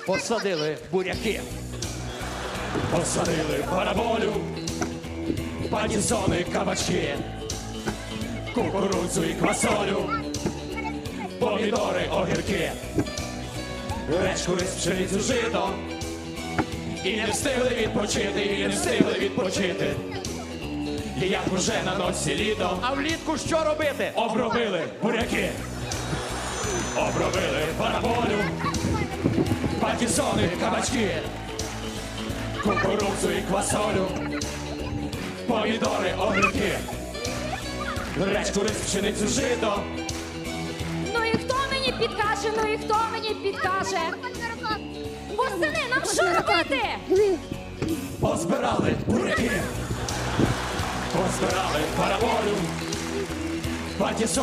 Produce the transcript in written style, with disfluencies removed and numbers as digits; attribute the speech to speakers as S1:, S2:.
S1: посадили буряки.
S2: Посадили параболю, патісони, кабачки, кукурудзу і квасолю, помідори, огірки, речку, рис, пшеницю, жито. І не встигли відпочити, і не встигли відпочити. І як уже на носі літо,
S1: А влітку що робити?
S2: обробили буряки, обробили параболю, патісони, кабачки, кукурудзу і квасолю, помідори, огірки, речку, рис, пшеницю, жито.
S3: Ну і хто мені підкаже, ну і хто мені підкаже? Восени, нам що робити?
S2: Позбирали буряки, позбирали параболю, патісони.